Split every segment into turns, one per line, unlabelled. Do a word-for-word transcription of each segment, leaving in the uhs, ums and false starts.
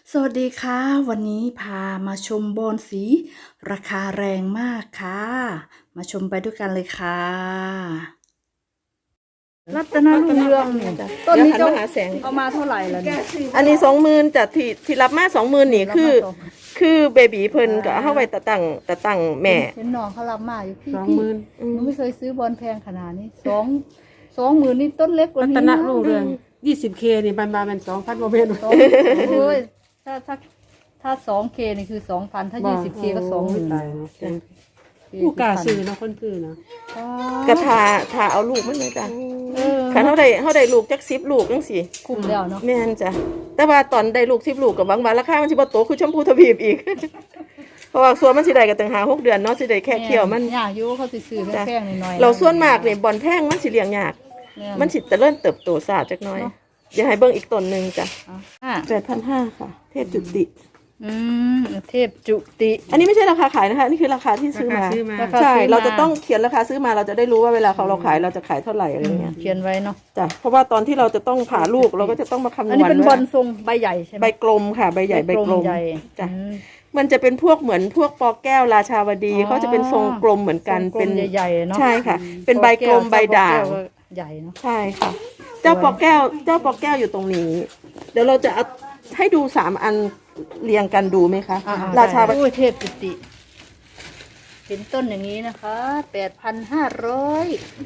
สวัสดีค่ะวันนี้พามาชมบอนสีราคาแรงมากค่ะมาชมไปด้วยกันเลยค่ะรัตนรุ่งเรืองเนี่ยต้นนี้
เดี๋ยวหัน
เจ้า
มาหาแสง
เอามาเท่าไหร่แล้วเนี่ย
อันนี้สองหมื่นจากที่ที่รับมาสองหมื่นนี่คือ
รับมาสอง
คือเบบีเพิ่นก็เอาไว้ตะตั้งตะตั้งแม่
เห็นน้องเขารับมาอยู่พี่
สอง
พี่
หมื่น
หนูไม่เคยซื้อบอลแพงขนาดนี้สองสองหมื่นนี่ต้นเล็กกว่า
รั
นี้
ตน
นะ
รุ่งเรืองยี่สิบเคนี่มันมาเป็นสองพันโมเมนต์
สองโอ้ยถ้าถ้าถ้าสองเคนี่คือสองพันถ้ายี่สิบเคก็สองหมื่น
ตายเนาะผู้กล้าซื้อเนาะคนซื้อเนาะ
กระทาทาเอาลูกมันเลยจ้ะ
เออ
คันเฮาได้เฮาได้ลูกจักสิบลูกจังซี่
คุ้มแล้วเนาะ
แม่นจ้ะแต่ว่าตอนได้ลูกสิบลูกก็บางวันราคามันสิบ่โตคือชมพูทวีปอีก เพราะว่าส่วนมันสิได้ก็ตั้งหาหกเดือนเนาะสิได้แค่เคี่ยวมัน
ยากอยู่เขาสิซื้อแพงๆหน่อยๆ
เราส่วนมากนี่บ่อนแพงมันสิเลี้ยงยาก
เนี่ย
มันสิเจริญเติบโตช้าจักหน่อย เดี๋ยวให้เบิ่งอีกต้นหนึงจ้ะ
อ่ะ
แปดพันห้าร้อยค่ะ เทพจุติ
อืมเทพจุติ
อันนี้ไม่ใช่ราคาขายนะคะนี่คือราคาที่ซื้อมา
ซื้อมา
ราคา
ใช่
ซื้อมา
เราจะต้องเขียนราคาซื้อมาเราจะได้รู้ว่าเวลาเขาเราขายเราจะขายเท่าไหร่อะไรเงี้ย
เขียนไว้เนาะ
จ้ะเพราะว่าตอนที่เราจะต้องผ่าลูกเราก็จะต้องมาคำน
อัน
ว
นี้
ณ
เป็นบอ
ว่า
ลทรงใบใหญ่ใช่ไหม
ใบกลมค่ะ ใบใหญ่ใบกลม
ใหญ่
จ้ะ
อืม
มันจะเป็นพวกเหมือนพวกปอแก้วราชาวดี
อ๋อ
เขาจะเป็นทรงกลมเหมือนกัน
ทรงกลม
เป็น
ใหญ่ๆเนาะ
ใช่ค่ะ เป็นใบกลมใบด่าง
แก้วก็ใหญ่เนาะ
ใช่ค่ะ เจ้าปอแก้ว เจ้าปอแก้วอยู่ตรงนี้ เดี๋ยวเราจะเอาให้ดูสามอันเรียงกันดูไหมคะ
อ่
ราชา
โอ้ยเทพจุติเป็นต้นอย่างนี้นะคะแปดพันห้าร้อย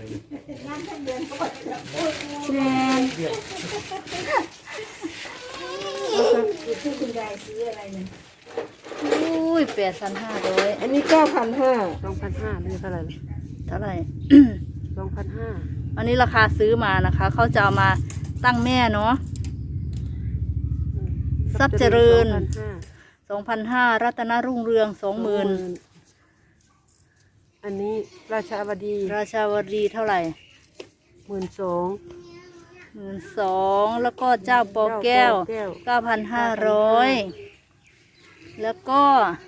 อุ้ยแปดพันห้าร้อย
อันนี้เก้าพันห้า
สองพันห้าไม่ใช่เท่าไหร่
เท่าไหร่
สองพันห้า
อันนี้ราคาซื้อมานะคะ เขาจะเอามาตั้งแม่เนาะ ทรัพย์เจริญ สองพันห้ารัตนรุ่งเรืองสองหมื่น
อันนี้ราชาวดี
ราชาวดีเท่าไหร่
หมื่นสอง
หมื่นสองแล้วก็เจ้าปอแก้ว
แก้ว
เก้าพันห้าร้อยแล้วก็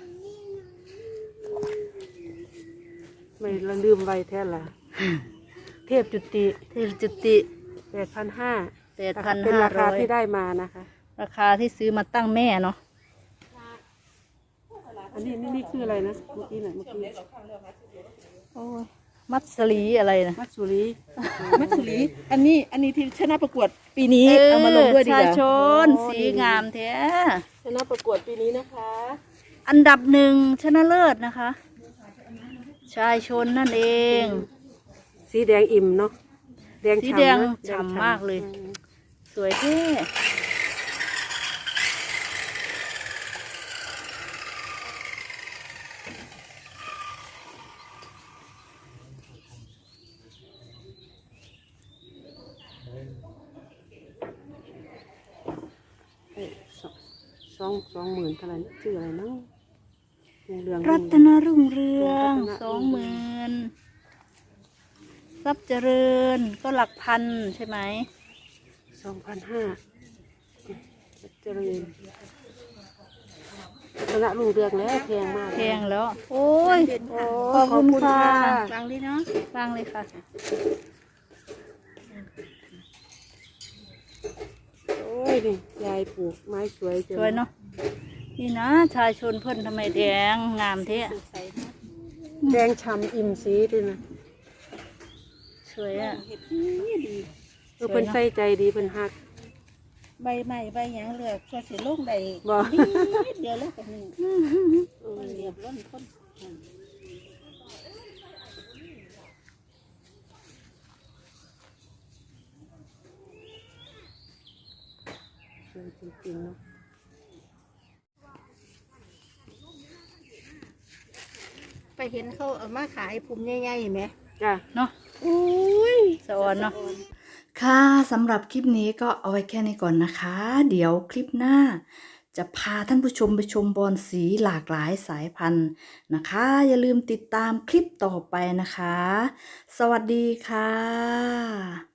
ไม่ละลืมไว้แท้ละเทพจุติ
เทพจุติ
แปดพันห้า
แปดพัน
เป็น
ห้า
ราคา
ร้อย
ที่ได้มานะคะ
ราคาที่ซื้อมาตั้งแม่เนาะ
อันนี้นี่นี่คืออะไรนะเมื่อกี้น่ะเมื่อกี้
โอ้ยมัดสลีอะไรนะ
มัตสุรี
มัตสุรีอันนี้อันนี้ที่ชนะประกวดปีนี้เอามาลงด้วยดีก
ชา
ว่า
ชนสีงามแท้
ชนะประกวดปีนี้นะคะ
อันดับหนึ่งชนะเลิศนะคะ ชายชนนั่นเอง
สีแดงอิ่มเนาะแดง
สี
ฉ่ำ
แดง
นะ
ฉ่ำมากเลย สวยแท้
สองสองหมื่นเท่าไหร่นะชื่ออะไรเนาะรุ่งเรือง
รัตนรุ่งเรืองสองหมื่นทรัพย์เจริญก็หลักพันใช่ไหม
สองพันห้าเจริญคณะรุ่งเรืองแล้วแพงมาก
แพงแล้ว โอ้ย
โอ้
ขอบคุณค่ะ
ฟังดิเนาะ
ฟังเลยค่ะ
โอ้ยนี่ยายปลูกไม้สวยจัง
สวยเนาะนี่นะชายชนเพิ่นทำไมแดงงามเท่
แดงฉ่ำอิ่มสีด้วยนะ
สวยอ่ะ
เออเพิ่นใส่ใจดีเพิ่นฮัก
ใบใหม่ใบหยังเหลือกช่วยสิลงได้
บ่
นิดเดียวแล้วก็หนึ่งมันเรียบร้อยคน
สวยจริงๆเนาะ
ไปเห็นเขาเอามาขายภูมิใหญ่ๆไหม
จ้ะ
เนาะ
อุ้ย
สะออนเนาะค่ะสำหรับคลิปนี้ก็เอาไว้แค่นี้ก่อนนะคะ เดี๋ยวคลิปหน้า จะพาท่านผู้ชมไปชมบอนสีหลากหลายสายพันธุ์นะคะ อย่าลืมติดตามคลิปต่อไปนะคะ สวัสดีค่ะ